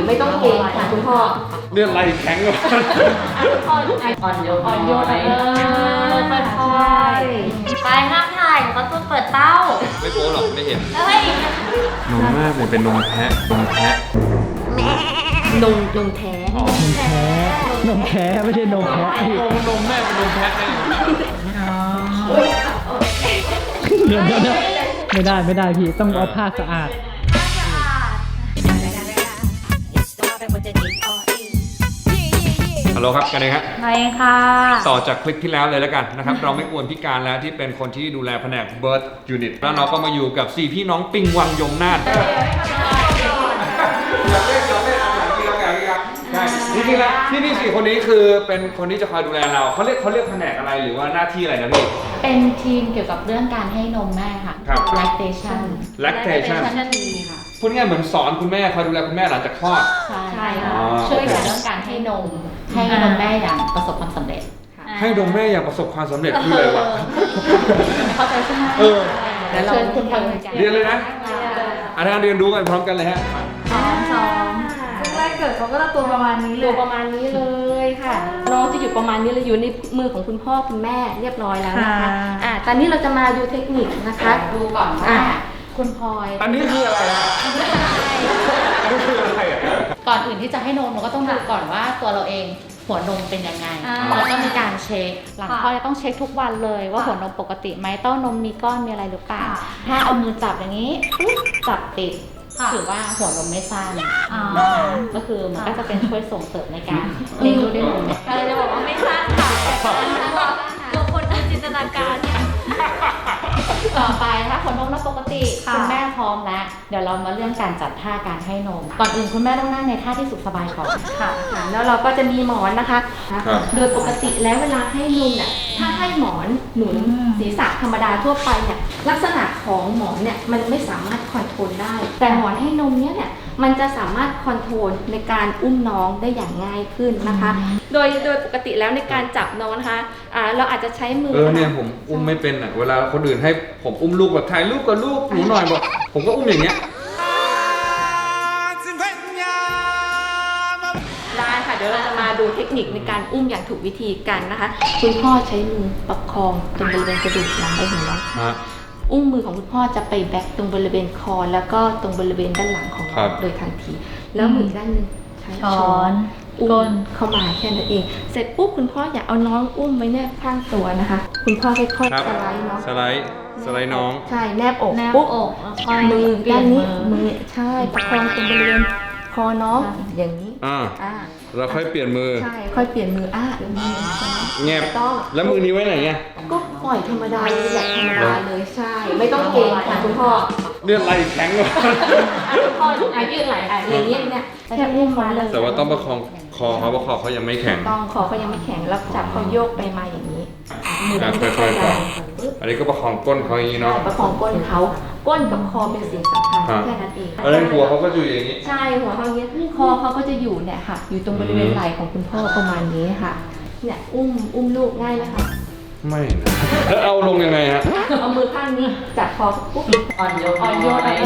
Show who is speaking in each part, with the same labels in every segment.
Speaker 1: ไม่ต้องเกรงค่ะคุณพ่อ
Speaker 2: เลือดไหลแข็งเลย
Speaker 1: อ่อนโยนค่อยๆไปห้ามถ่ายเขาต้องเปิดเต้า
Speaker 2: ไม่โป๊หรอกไม่เห็น
Speaker 1: เฮ้ย
Speaker 2: นมมากเลยเป็นนมแพะนมแพะ
Speaker 1: นมแท้
Speaker 2: อ๋อน
Speaker 3: มแท้ไม่ใช่นมแพ้
Speaker 2: นมแม่เป็นนมแพะได้ยังไง
Speaker 3: เดี๋ยวไม่ได้พี่ต้องเอาผ้าสะอาด
Speaker 2: ฮัลโหลครับกันเองฮะ
Speaker 1: ไปค่ะ
Speaker 2: ต่อจากคลิปที่แล้วเลยแล้วกันนะครับ เราไม่กวนพี่การแล้วที่เป็นคนที่ดูแลแผนก Birth Unit แล้วเราก็มาอยู่กับ4พี่น้องปิงวังยมนาถใช่จริงๆแล้วที่นี่4คนนี้คือเป็นคนที่จะคอยดูแลเราเขาเรียกแผนกอะไรหรือว่าหน้าที่อะไรนะพี่
Speaker 4: เป็นทีมเกี่ยวกับเรื่องการให้นมแม่ค่ะ
Speaker 2: ครับ
Speaker 4: lactation
Speaker 2: lactation
Speaker 4: ค่ะ
Speaker 2: พูดง่ายๆเหมือนสอนคุณแม่คอยดูแลคุณแม่หลังจากคลอด
Speaker 4: ใช่
Speaker 2: อ๋
Speaker 4: ค่ะ
Speaker 2: อ
Speaker 4: ช่วยกันเรื่องการให้นมแม่อย่างประสบความสำเร็จค่ะ
Speaker 2: ให้นมแม่อย่างประสบความสำเร็จคืออะไรวะ
Speaker 4: เข้าใจใช่ไหม
Speaker 2: เออ
Speaker 4: เดี๋ยวเชิญคุณพลอย
Speaker 2: เรียนเลยนะอาจารย์เรียนรู้กันพร้อมกันเลยฮะ
Speaker 4: สอง
Speaker 1: แรกเกิดเขาก็ตัวประมาณนี้ตัวประมาณนี้เลยค่ะน้องจะอยู่ประมาณนี้เลยอยู่ในมือของคุณพ่อคุณแม่เรียบร้อยแล้วนะคะตอนนี้เราจะมาดูเทคนิคนะคะ
Speaker 4: ดูก่อนว่าคุณพลอย
Speaker 2: อันนี้คืออะไรนะอันนี้คืออะไรอ่ะ
Speaker 4: ก่อนอื่นที่จะให้นมเราก็ต้องดูก่อนว่าตัวเราเองหัวนมเป็นยังไงแล้วก็มีการเช็คหลังคลอดจะต้องเช็คทุกวันเลยว่าหัวนมปกติไหมเต้านมมีก้อนมีอะไรหรือเปล่าถ้าเอามือจับอย่างนี้ปุ๊บจับติดถือว่าหัวนมไม่สั้นนะคะก็คือมันก็จะเป็นช่วยส่งเสริมในการเลี้ยงลูกด้วยนม
Speaker 1: อะไรจะบอกว่าไม่สั้นค่ะตัวคนดูจินตนาการ
Speaker 4: ต่อไปถ้าหัวนมเราปกติคุณแม่พร้อมแล้วเดี๋ยวเรามาเรื่องการจัดท่าการให้นมก่อนอื่นคุณแม่ต้องนั่งในท่าที่สุขสบายก่อน
Speaker 1: ค่ะแล้วเราก็จะมีหมอนนะคะ
Speaker 2: ครับ
Speaker 1: โดยปกติแล้วเวลาให้นมเนี่ยถ้าให้หมอนหนุนศีรษะธรรมดาทั่วไปเนี่ยลักษณะของหมอนเนี่ยมันไม่สามารถคอนโทรลได้ แต่หมอนให้นมเนี่ยมันจะสามารถคอนโทรลในการอุ้มน้องได้อย่างง่ายขึ้นนะคะ โดยปกติแล้วในการจับน้องนะคะเราอาจจะใช้มือ
Speaker 2: เนี่ยผมอุ้มไม่เป็นอ่ะเวลาคนอื่นให้ผมอุ้มลูกแบบถ่ายรูปกับลูกหนูหน่อยบอกผมก็อุ้มอย่างเงี้ย
Speaker 1: ได้ค่ะเดี๋ยวเราจะมาดูเทคนิคในการอุ้มอย่างถูกวิธีกันนะคะ คุณพ่อใช้มือประคองตรงบริเวณกระดูกหลังใบหูน้อง
Speaker 2: ฮะ
Speaker 1: อุ้งมือของคุณพ่อจะไปแบ็คตรงบริเวณคอแล้วก็ตรงบริเวณด้านหลังของ
Speaker 2: ครั
Speaker 1: เรา
Speaker 2: บ
Speaker 1: โดยทันที แล้วมืออีกด้านหนึ่งใช้ช้อนอุ้มเข้ามาแค่นั้นเอง เสร็จปุ๊บคุณพ่ออย่าเอาน้องอุ้มไว้แนบข้างตัวนะคะ คุณพ่อค่อย
Speaker 2: ครับ
Speaker 1: ๆสไลด์น้อง
Speaker 2: สไลด์น้อง
Speaker 1: ใช่แนบอกปุ๊บมือด้านนี้มือใช่ประคองตรงบริเวณคอน้องอย่างนี้
Speaker 2: อ่า
Speaker 1: อ่า
Speaker 2: เราค่อยเปลี่ยนมือ
Speaker 1: ใช่ค่อยเปลี่ยนมือมือ
Speaker 2: แงบ
Speaker 1: ต้อง
Speaker 2: แล้วมือนี้ไว้ไหนไง
Speaker 1: ก็ปล่อยธรรมดาเลยแบบธรรมดาเลยใช่ ไม่ต้องเกรงค่ะคุณพ่อ
Speaker 2: เลือดไหลแข็งเลย
Speaker 1: คุณพ่อยืดไหล่อย่างนี้เนี่ยแค่อุ้มมาเลย
Speaker 2: แต่ว่าต้องประคองคอเขาเพราะคอเขายังไม่แข็ง
Speaker 1: ต้องคอเขายังไม่แข็งแล้วจับเขาโยกไปมาอย่างนี้มือ
Speaker 2: ค่อยๆปล่อย อันนี้ก็ประคองก้นเขาอย่างนี้เนาะ
Speaker 1: ประคองก้นเขาก้นกับคอเป็นสิ่งสำคัญแค่นั้นเอง
Speaker 2: แล้วในหัวเขาก็อยู่อย่างนี้
Speaker 1: ใช่หัวเขาอย่างนี้คอเขาก็จะอยู่เนี่ยค่ะ อยู่ตรงบริเวณไหล่ของคุณพ่อประมาณนี้ค่ะ เนี่ยอุ้มลูกง่ายไหมคะ
Speaker 2: ไม่นะแล้วเอาลงยังไงฮะ
Speaker 1: เอามือข้างนี้จับคอปุ๊บ
Speaker 4: อ่อนโยน
Speaker 1: ค่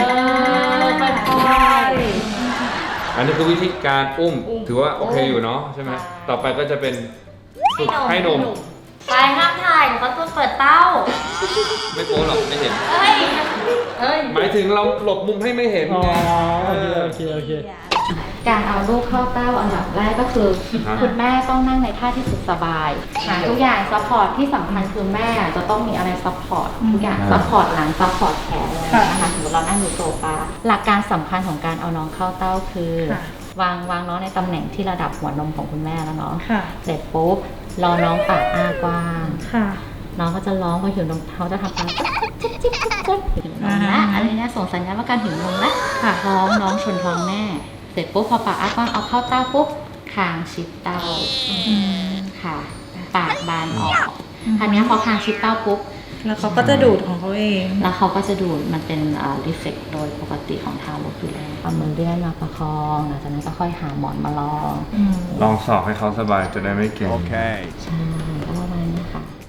Speaker 1: อย
Speaker 2: อันนี้คือวิธีการอุ้ม ถือว่าโอเคอยู่เนาะใช่ไหมต่อไปก็จะเป็นฝึกให้นม
Speaker 1: ไปห้ามถ่ายเขาต้องเปิดเต้า
Speaker 2: ไม่โป๊หรอกไม่เห็น
Speaker 1: เฮ้ย
Speaker 2: หมายถึงเราหลบมุมให้ไม่เห็น
Speaker 3: อ๋อ
Speaker 2: ไง
Speaker 3: โอเค
Speaker 4: การเอาลูกเข้าเต้าอันดับแรกก็คือ คุณแม่ต้องนั่งในท่าที่สุขสบายหาทุกอย่างซัพพอร์ตที่สำคัญคือแม่จะต้องมีอะไรซัพพอร์ตทุกอย่างซัพพอร์ตหลังซัพพอร์ตแขนนะคะสมมติเรานั่งอยู่โซฟาหลักการสำคัญของการเอาน้องเข้าเต้าคือ วางน้องในตำแหน่งที่ระดับหัวนมของคุณแม่แล้วเนาะเสร็จปุ๊บรอน้องปากอ้ากว้างน้องก็จะร้องพอหิวนมเขาจะทำการจิ๊บจิ๊บจิ๊บจิ๊บหิวนมละอะไรเนี่ยส่งสัญญาณว่าการหิวนมละท้องน้องชนท้องแม่เสร็จปุ๊บพอปากอ้ากว้างเอาเข้าเต้าปุ๊บคางชิดเต้าค่ะปากบานออกทีนี้พอคางชิดเต้าปุ๊บ
Speaker 5: แล้วเขาก็จะดูดของเขาเอง
Speaker 4: แล้วเขาก็จะดูดมันเป็นรีเฟกโดยปกติของทารกอยู่แล้วเอามือเลื่อนมาประคองหลังจากนั้นก็ค่อยหาหมอนมาลอง
Speaker 2: ลองสอบให้เขาสบายจะได้ไม่เก่ง
Speaker 4: ใช่ก็ประมาณนี้ค่ะ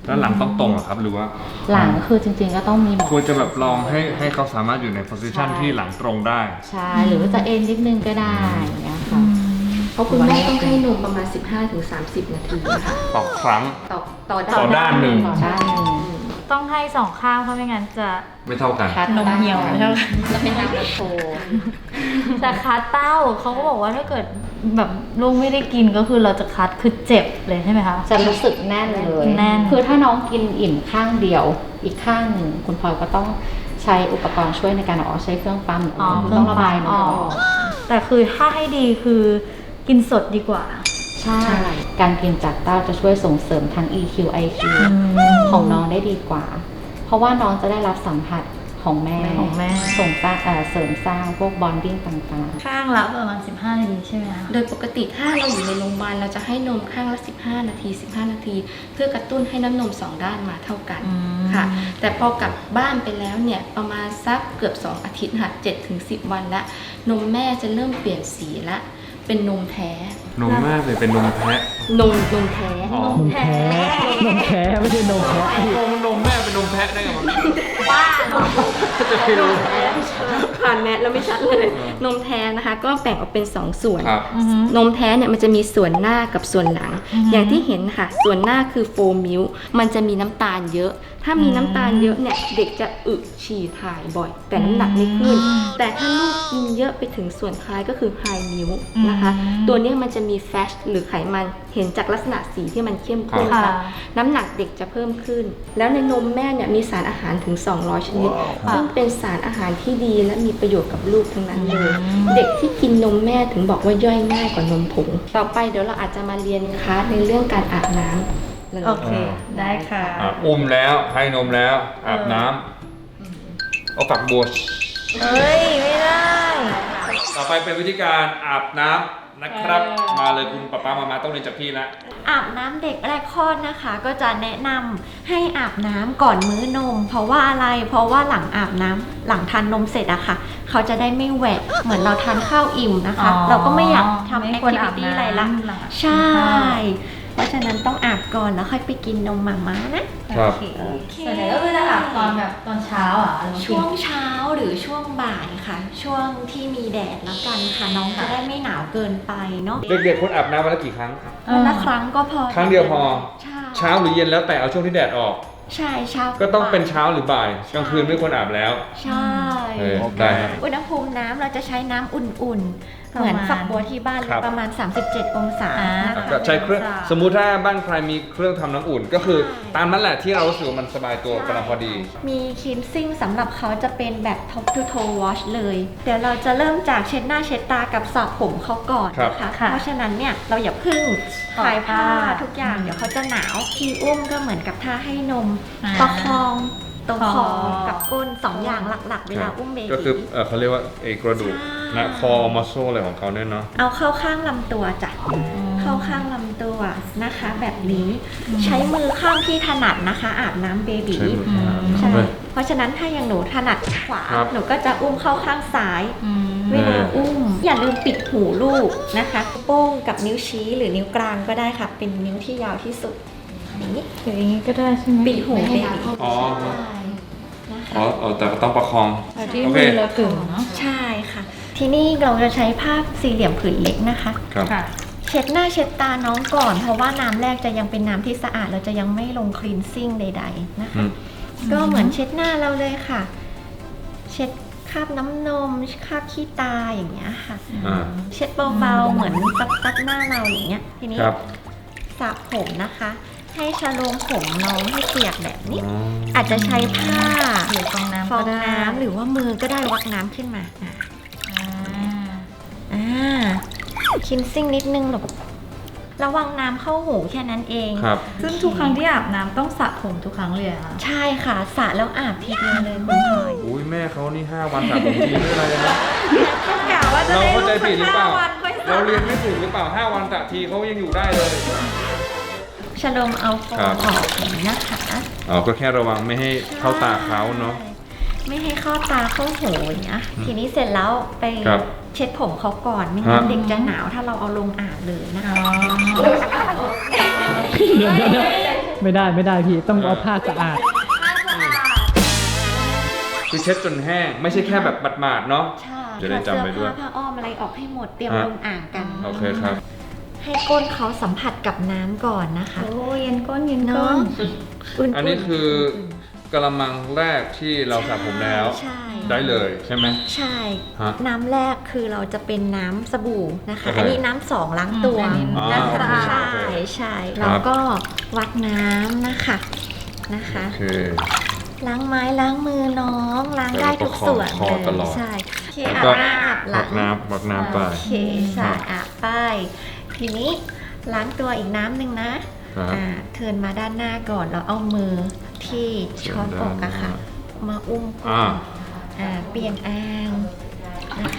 Speaker 2: แล้วหลังต้องตรงเหรอครับหรือว่า
Speaker 4: หลังคือจริงๆก็ต้องมีหมอน
Speaker 2: ควรจะแบบลองให้เขาสามารถอยู่ใน position ที่หลังตรงได้
Speaker 4: ใช่หรือว่าจะเอ็นนิดนึงก็ได้อย่างเงี้ยค่ะ
Speaker 1: เพราะคุณแม่ต้องให้นมประมาณ 15-30 นาทีนะคะ
Speaker 2: ต่อครั้ง
Speaker 1: ต่อ
Speaker 2: ต่อด้านหนึ่ง
Speaker 4: ต่อด้านหนึ่ง
Speaker 5: ต้องให้สองข้างเพราะไม่งั้นจะ
Speaker 2: ไม่เท่ากัน
Speaker 4: คัด
Speaker 5: นมเหี่ยวใช่ไหม
Speaker 4: จะเป็นน้ำโช
Speaker 5: แต่คัดเต้าเขาก็บอกว่าถ้าเกิดแบบลูกไม่ได้กินก็คือเราจะคัดคือเจ็บเลยใช่ไหมคะ
Speaker 4: จะรู้สึกแน่นเลย
Speaker 5: แน่น
Speaker 4: คือถ้าน้องกินอิ่มข้างเดียว อีกข้างหนึ่งคุณพลอยก็ต้องใช้อุปกรณ์ช่วยในการใช้เครื่องปั๊ม ต้องระบายนมออก
Speaker 5: แต่คือถ้าให้ดีคือกินสดดีกว่า
Speaker 4: ใช่ การกินจากเต้าจะช่วยส่งเสริมทั้ง EQ IQ ของน้องได้ดีกว่า เพราะว่าน้องจะได้รับสัมผัสของแม่ ส่งสร้างเสริมสร้างพวกบอนดิ้งต่างๆ
Speaker 5: ข้างละประมาณ15 นาทีใช่ไหมคะ
Speaker 1: โดยปกติถ้าเราอยู่ในโรงพยาบาลเราจะให้นมข้างละ 15 นาที 15 นาที เพื่อกระตุ้นให้น้ำนม2ด้านมาเท่ากันค่ะ แต่พอกลับบ้านไปแล้วเนี่ยประมาณสักเกือบ2 อาทิตย์ค่ะ 7-10 วันละนมแม่จะเริ่มเปลี่ยนสีละเป็นนมแท้
Speaker 2: นมมากเลยเป็นนมแพะ
Speaker 1: นมแท้
Speaker 2: อ๋อ
Speaker 3: นมแท้นมแท้ไม่ใช่นมแพะพี่
Speaker 2: นมแม่เป็นนมแพะได้ไงวะ
Speaker 1: บ้า
Speaker 2: จะไปรู้
Speaker 1: ผ่านแมสแล้วไม่ชัดเลย นมแท้นะคะก็แบ่งออกเป็น 2 ส่วน
Speaker 2: ครับ
Speaker 1: นมแท้เนี่ยมันจะมีส่วนหน้ากับส่วนหลัง อย่างที่เห็นค่ะ ส่วนหน้าคือโฟมิลค์มันจะมีน้ำตาลเยอะ ถ้ามีน้ำตาลเยอะเนี่ยเด็กจะอึฉี่ถ่ายบ่อย แต่น้ำหนักไม่ขึ้น แต่ถ้าลูกกินเยอะไปถึงส่วนคล้ายก็คือไฮมิลค์นะคะ ตัวเนี้ยมันจะมีแฟชหรือไขมันเห็นจากลักษณะสีที่มันเข้มข้น
Speaker 5: ค่ะ
Speaker 1: ค่ะน้ำหนักเด็กจะเพิ่มขึ้น แล้วในนมแม่เนี่ยมีสารอาหารถึง 200 ชนิด ซึ่งเป็นสารอาหารที่ดีและมีประโยชน์กับลูกทั้งนั้นเลย เด็กที่กินนมแม่ถึงบอกว่าย่อยง่ายกว่านมผง ต่อไปเดี๋ยวเราอาจจะมาเรียนคลาสในเรื่องการอาบน้ำเลย
Speaker 5: โอเค ได้ค่ะ
Speaker 2: อุ้มแล้วให้นมแล้วอาบน้ำเอาฝักบัว
Speaker 5: เฮ้ย ไม่ได้
Speaker 2: ต่อไปเป็นวิธีการอาบน้ำนะครับ มาเลยคุณป๊ามามาต้องเรียนจากพี่แล้ว
Speaker 6: อาบน้ำเด็กแรกคลอดนะคะ ก็จะแนะนำให้อาบน้ำก่อนมื้อนม เพราะว่าอะไรเพราะว่าหลังอาบน้ำหลังทานนมเสร็จอะค่ะ เขาจะได้ไม่แหวะเหมือนเราทานข้าวอิ่มนะคะ
Speaker 5: อ๋อ
Speaker 6: เราก็ไม่อยากทำ
Speaker 5: ไม่
Speaker 6: แอค
Speaker 5: ควร
Speaker 6: ทิ
Speaker 5: อา
Speaker 6: วิ
Speaker 5: บ
Speaker 6: ตี้
Speaker 5: น้ำ
Speaker 6: อะไรละ
Speaker 5: หลัง
Speaker 6: ใช่ เพราะฉะนั้นต้องอาบก่อนแล้วค่อยไปกินนมหม่าม้านะ
Speaker 2: ครับ
Speaker 6: โอเค
Speaker 5: ส่วนใหญ่ก็คือจะอาบตอนแบบตอนเช้าอ่ะ
Speaker 6: ช่วงเช้าหรือช่วงบ่ายค่ะ ช่วงที่มีแดดแล้วกันค่ะน้องจะได้ไม่หนาวเกินไปเนาะ
Speaker 2: เด็กๆคนอาบน้ำวันละกี่ครั้ง
Speaker 6: วันละครั้งก็พอ
Speaker 2: ครั้งเดียวพอ
Speaker 6: ใช่
Speaker 2: เช้าหรือเย็นแล้วแต่เอาช่วงที่แดดออก
Speaker 6: ใช่เช้า
Speaker 2: ก็ต้องเป็นเช้าหรือบ่ายกลางคืนไม่ควรอาบแล้ว
Speaker 6: ใช่
Speaker 2: ได้ครับ
Speaker 6: อุณหภูมิน้ำเราจะใช้น้ำอุ่นๆ เหมือนฝักบัวที่บ้านเลย
Speaker 2: ครับ
Speaker 6: ประมาณ 37 องศานะคะ
Speaker 2: ก็ใช้เครื่องสมมุติถ้าบ้านใครมีเครื่องทำน้ำอุ่น ก็คือตามนั้นแหละที่เรารู้สึกว่ามันสบายตัวกำลังพอดี
Speaker 6: มีคลีนซิ่งสำหรับเขาจะเป็นแบบ top to toe wash เลย เดี๋ยวเราจะเริ่มจากเช็ดหน้าเช็ดตากับสระผมเขาก่อนนะคะ
Speaker 5: ค่ะ
Speaker 6: เพราะฉะนั้นเนี่ยเราอย่าพึ่ง
Speaker 5: ถอด
Speaker 6: คลายผ้า
Speaker 5: ผ้า
Speaker 6: ทุกอย่างเดี๋ยวเขาจะหนาวที่อุ้มก็เหมือนกับท่าให้นม
Speaker 5: อ่า
Speaker 6: ประคองตรงคอ
Speaker 5: คอ
Speaker 6: กับก้นสองอย่างหลักๆ เวลาอุ้มเบบี
Speaker 2: ก็คือเขาเรียกว่าไอ้กระดูก
Speaker 6: ใช่
Speaker 2: นะคอมัสโซอะไรของเขาเนี่ยเนาะ
Speaker 6: เอาเข้าข้างลำตัวจ้ะ เข้าข้างลำตัวนะคะ แบบนี้ใช้มือข้างที่ถนัดนะคะ อาบน้ำเบบี
Speaker 2: ใช้มือขวา
Speaker 6: ใช่
Speaker 2: เฮ้ย
Speaker 6: เพราะฉะนั้นถ้าอย่างหนูถนัดขวา
Speaker 2: ครับ
Speaker 6: หนูก็จะอุ้มเข้าข้างซ้าย เวลาอุ้ม อย่าลืมปิดหูลูกนะคะ โป้งกับนิ้วชี้หรือนิ้วกลางก็ได้ค่ะ เป็นนิ้วที่ยาวที่สุดอย่างนี้
Speaker 5: เดี๋ยวอย่างนี้ก็ได้ใช่ไหม
Speaker 6: ปิดหูเบบี
Speaker 2: อ๋อ
Speaker 6: ใช่นะคะ
Speaker 2: อ๋อแต่ก็ต้องประคอง
Speaker 5: แต่ที่
Speaker 2: โอเค
Speaker 5: มือเราถึงเนาะ
Speaker 6: ใช่ค่ะ ที่นี่เราจะใช้ผ้าสี่เหลี่ยมผืนเล็กนะคะ
Speaker 2: ครับ
Speaker 5: ค่ะ
Speaker 6: เช็ดหน้าเช็ดตาน้องก่อน เพราะว่าน้ำแรกจะยังเป็นน้ำที่สะอาดเราจะยังไม่ลงคลีนซิ่งใดๆนะคะ ก็เหมือนเช็ดหน้าเราเลยค่ะ เช็ดคราบน้ำนมคราบขี้ตาอย่างเงี้ยค่ะ
Speaker 2: อ่า
Speaker 6: เช็ดเบาๆเหมือนซักหน้าเราอย่างเงี้ย ทีนี้
Speaker 2: ครับ
Speaker 6: สระผมนะคะ ให้ชะโลมผมน้องให้เปียกแบบนี้
Speaker 2: อ๋อ
Speaker 6: อาจจะใช้ผ้า
Speaker 5: หรือฟองน้ำ
Speaker 6: ฟอ
Speaker 5: ก็
Speaker 6: ง
Speaker 5: ได้
Speaker 6: น้ำหรือว่ามือก็ได้วักน้ำขึ้นมาคินซิ่งนิดนึงหรอกระวังน้ำเข้าหูแค่นั้นเอง
Speaker 2: ครับ
Speaker 5: ซึ่งทุกครั้งที่อาบน้ำต้องสระผมทุกครั้งเลยอะค่ะ
Speaker 6: ใช่ค่ะสระแล้วอาบทีเดียวเลยคุณพลอย
Speaker 2: อุ้ยแม่เขานี่ 5 วันสระผมทีไม่อะไรเลยนะ
Speaker 6: กะว่าจะ
Speaker 2: เรา
Speaker 6: ได้
Speaker 2: เข้าใจผิดหรือเปล่า
Speaker 6: 5 วันค่อยส
Speaker 2: เรา
Speaker 6: ระ
Speaker 2: เรียนไม่ถูกหรือเปล่า 5 วันสระทีเขายังอยู่ได้เลย
Speaker 6: ชะโลมเอาฟอ
Speaker 2: ครั
Speaker 6: ง
Speaker 2: บ
Speaker 6: ออกอย่างนี้นะคะ
Speaker 2: อ๋อ ก็แค่ระวังไม่ให้เข้าตาเขาเนาะ
Speaker 6: ไม่ให้เข้าตาเข้าหูอย่างเงี้ยทีนี้เสร็จแล้วไป
Speaker 2: ครับ
Speaker 6: เช็ดผมเขาก่อนไม่งั้น
Speaker 2: ฮะ
Speaker 6: เด็กจะหนาวถ้าเราเอาลงอาบเลยนะคะ
Speaker 3: เดี๋ยวไม่ได้พี่ต้องเอาผ้าสะอาด
Speaker 2: คือเช็ดจนแห้งไม่ใช่แค่แบบหมาดๆเนาะ
Speaker 6: ใช่
Speaker 2: จะได้จำไว้ด้วย
Speaker 6: เสื้อผ้าอ้อมอะไรออกให้หมดเตรียมลงอ่างกัน
Speaker 2: โอเคครับ
Speaker 6: ให้ก้นเขาสัมผัสกับน้ำก่อนนะคะ
Speaker 5: โอ้เย็นก้นเย็นก้
Speaker 6: เนาะ
Speaker 5: น
Speaker 2: อันนี้คือกระมังแรกที่เราสระผมแล้ว
Speaker 6: ใช่
Speaker 2: ได้เลยใช่ไหม
Speaker 6: ใช่
Speaker 2: ฮะ
Speaker 6: น้ำแรกคือเราจะเป็นน้ำสบู่นะคะ
Speaker 2: โอเค
Speaker 6: อันนี้น้ำสองล้างตัว
Speaker 2: อ๋อ
Speaker 6: นะคะ
Speaker 2: โอเค
Speaker 6: ใช่
Speaker 2: โอเค
Speaker 6: ใช่
Speaker 2: ครับ
Speaker 6: แล้วก็วักน้ำนะคะ
Speaker 2: โอเค
Speaker 6: ล้างไม้ล้างมือน้องล้างได้ทุกส่วน
Speaker 2: คอตลอด
Speaker 6: ใช่โอเค
Speaker 2: แล้ว
Speaker 6: อาบ
Speaker 2: ก็
Speaker 6: หลั
Speaker 2: วั
Speaker 6: ง
Speaker 2: กน้ำไป
Speaker 6: โอเคใช่อาบไปทีนี้ล้างตัวอีกน้ำหนึ่งนะครับ เทิร์นมาด้านหน้าก่อนแล้วเอามือที่ช้อนอกอะค่ะ มาอุ้ม
Speaker 2: อ่า
Speaker 6: เปลี่ยนอ่างนะคะ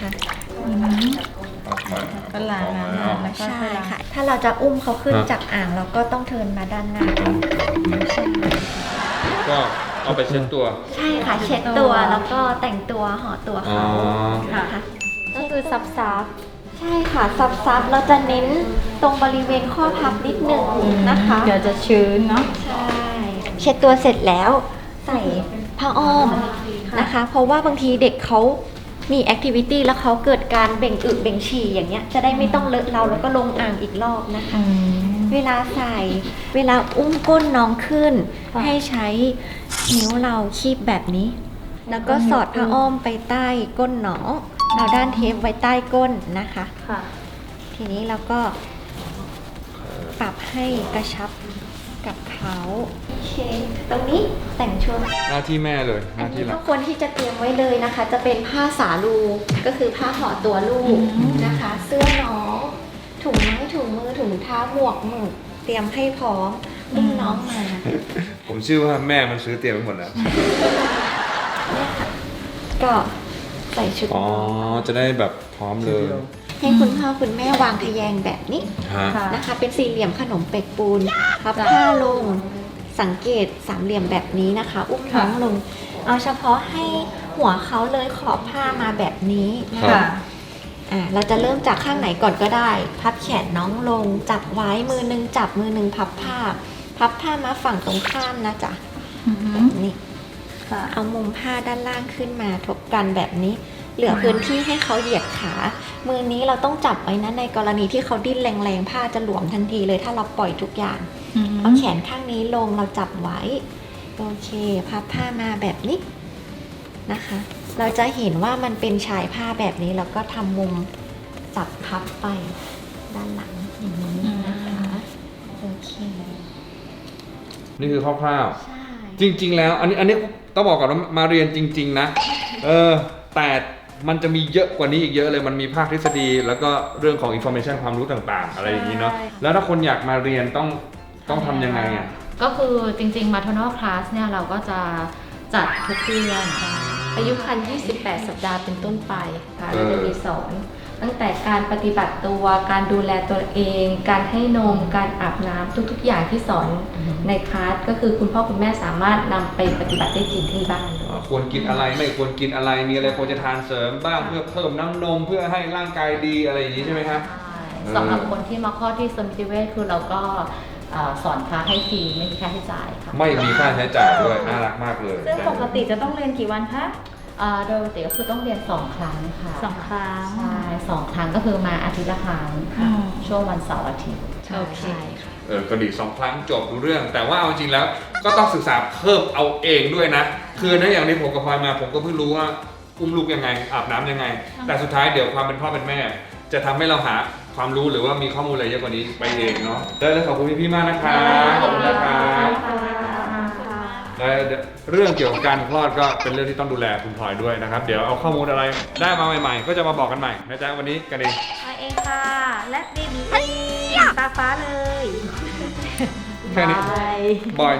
Speaker 5: ก็ล้างน้ำแล้วก็
Speaker 6: ใช่
Speaker 5: ค่อยล้าง
Speaker 6: ค่ะ ถ้าเราจะอุ้มเขาขึ้น
Speaker 2: ฮะ
Speaker 6: จากอ่างเราก็ต้องเทิร์นมาด้านหน้าใช่
Speaker 2: ก็เอาไปเช็ดตัว
Speaker 6: ใช่ค่ะ เช็ดตัวแล้วก็แต่งตัวห่อตัว
Speaker 2: อ๋อ
Speaker 6: เขานะคะ
Speaker 4: ก็คือซับ
Speaker 6: ใช่ค่ะซับเราจะเน้นตรงบริเวณข้อพับนิดหนึ่งนะคะ
Speaker 5: เดี๋ยวจะชื้นเนาะ
Speaker 6: ใช่ เช็ดตัวเสร็จแล้วใส่ผ้าอ้อมนะคะ เพราะว่าบางทีเด็กเขามีแอคทิวิตี้แล้วเขาเกิดการเบ่งอึเบ่งฉี่อย่างเงี้ยจะได้ไม่ต้องเลอะเราแล้วก็ลงอ่างอีกรอบนะคะ เวลาใส่เวลาอุ้มก้นน้องขึ้น
Speaker 5: ค่ะ
Speaker 6: ให้ใช้นิ้วเราคีบแบบนี้ แล้วก็สอดผ้าอ้อมไปใต้ก้นน้องเอาด้านเทปไว้ใต้ก้นนะคะ
Speaker 5: ค่ะ
Speaker 6: ทีนี้เราก็ปรับให้กระชับกับเขาโอเคตรงนี้แต่งชุด
Speaker 2: หน้าที่แม่เลยห
Speaker 6: อัน
Speaker 2: น้าที่
Speaker 6: นี้
Speaker 2: หลั
Speaker 6: ก็
Speaker 2: ก
Speaker 6: ควรที่จะเตรียมไว้เลยนะคะ จะเป็นผ้าสาลูก็คือผ้าห่อตัวลูกนะคะ เสื้อน้องถุงไม้ถุงมือถุงเท้าหมวกหมึกเตรียมให้พร้อมอุ้มน้องมา
Speaker 2: ผมเชื่อว่าแม่มันซื้อเตรียมไว้หมดแล้ว
Speaker 6: เนี่ยค่ะก็ใส่ชุด
Speaker 2: อ๋อ จะได้แบบพร้อมเลย
Speaker 6: ให้คุณพ่อคุณแม่วางทะแยงแบบนี้
Speaker 2: ฮะ
Speaker 5: ค่ะ
Speaker 6: นะคะ เป็นสี่เหลี่ยมขนมเปียกปูนพับผ้าลงสังเกตสามเหลี่ยมแบบนี้นะคะ อุ้มน้องลง เอาเฉพาะให้หัวเขาเลยขอบผ้ามาแบบนี้นะ
Speaker 2: ครั
Speaker 6: คะ
Speaker 2: บ
Speaker 6: เราจะเริ่มจากข้างไหนก่อนก็ได้ พับแขนน้องลง จับไว้มือหนึงจับมือหนึงพับผ้ามาฝั่งตรงข้ามนะจ๊ะแบบนี้
Speaker 5: ค่ะ
Speaker 6: เอามุมผ้าด้านล่างขึ้นมาทบกันแบบนี้ เหลือพื้นที่ให้เขาเหยียดขา มือนี้เราต้องจับไว้นะในกรณีที่เขาดิ้นแรงๆผ้าจะหลวมทันทีเลยถ้าเราปล่อยทุกอย่าง เอาแขนข้างนี้ลงเราจับไว้ โอเค พับผ้ามาแบบนี้นะคะ เราจะเห็นว่ามันเป็นชายผ้าแบบนี้แล้วก็ทำมุมจับพับไปด้านหลังอย่างนี้นะคะโอเค
Speaker 2: นี่คือคร่าว
Speaker 6: ใช่
Speaker 2: ๆ จริง ๆ แล้ว อันนี้ต้องบอกก่อนว่ามาเรียนจริง ๆ นะ แต่มันจะมีเยอะกว่านี้อีกเยอะเลย มันมีภาคทฤษฎี แล้วก็เรื่องของ information ความรู้ต่างๆ อะไรอย่างนี้เนาะ แล้วถ้าคนอยากมาเรียนต้องทำยังไงอ่ะ
Speaker 4: ก็คือจริงๆ maternal class เนี่ยเราก็จะจัดทุกเดือน
Speaker 1: อายุครรภ์ 28 สัปดาห์เป็นต้นไปค่ะเราจะมีสอน ตั้งแต่การปฏิบัติตัว การดูแลตัวเอง การให้นม การอาบน้ำทุกๆ อย่างที่สอนในคลาสก็คือคุณพ่อคุณแม่สามารถนำไปปฏิบัติได้จริงที่บ้านเลย
Speaker 2: ควรกินอะไรไม่ควรกินอะไร มีอะไรควรจะทานเสริมบ้างเพื่อเพิ่มน้ำนมเพื่อให้ร่างกายดีอะไรอย่างนี้ใช่ไหมครับ
Speaker 4: สำหรับคนที่มาคลอดที่สมิติเวชคือเราก็สอนคลาสให้ฟรีไม่มีค่าใช้จ่ายค่ะ
Speaker 2: ไม่มีค่าใช้จ่ายด้วยน่ารักมากเลย
Speaker 5: ซึ่งปกติจะต้องเรียนกี่วันคะ
Speaker 4: โดยปกติก็คือต้องเรียน2 ครั้งค่ะ
Speaker 5: 2 ครั้ง
Speaker 4: ใช่2 ครั้งก็คือมาอาทิตย์ละครั้งค่ะ
Speaker 5: อืม
Speaker 4: ช่วงวันเสาร์อาทิตย์
Speaker 5: โอเค
Speaker 6: ค่ะ
Speaker 2: ก็ดี2 ครั้งจบรู้เรื่อง แต่ว่าเอาจริงแล้วก็ต้องศึกษาเพิ่มเอาเองด้วยนะ คือในอย่างที่ผมกับพลอยมาผมก็เพิ่งรู้ว่าอุ้มลูกยังไงอาบน้ำยังไง แต่สุดท้ายเดี๋ยวความเป็นพ่อเป็นแม่ จะทำให้เราหาความรู้หรือว่ามีข้อมูลอะไรเยอะกว่านี้ไปเองเนาะได้เลยขอบคุณพี่ๆมากนะครับขอบคุณนะครับและเรื่องเกี่ยวกับการคลอดก็เป็นเรื่องที่ต้องดูแลคุณพลอยด้วยนะครับ เดี๋ยวเอาข้อมูลอะไรได้มาใหม่ๆ ก็จะมาบอกกันใหม่นะจ๊ะวันนี้กันเอง
Speaker 5: มาเองค่ะ และเบบีตาฟ้าเลย
Speaker 2: แค่นี้บอย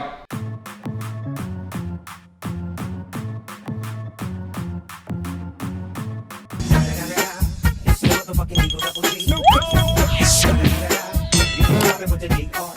Speaker 7: It's the motherfucking Eagle Double G. Snoop Dogg. You know I've been with the D.R.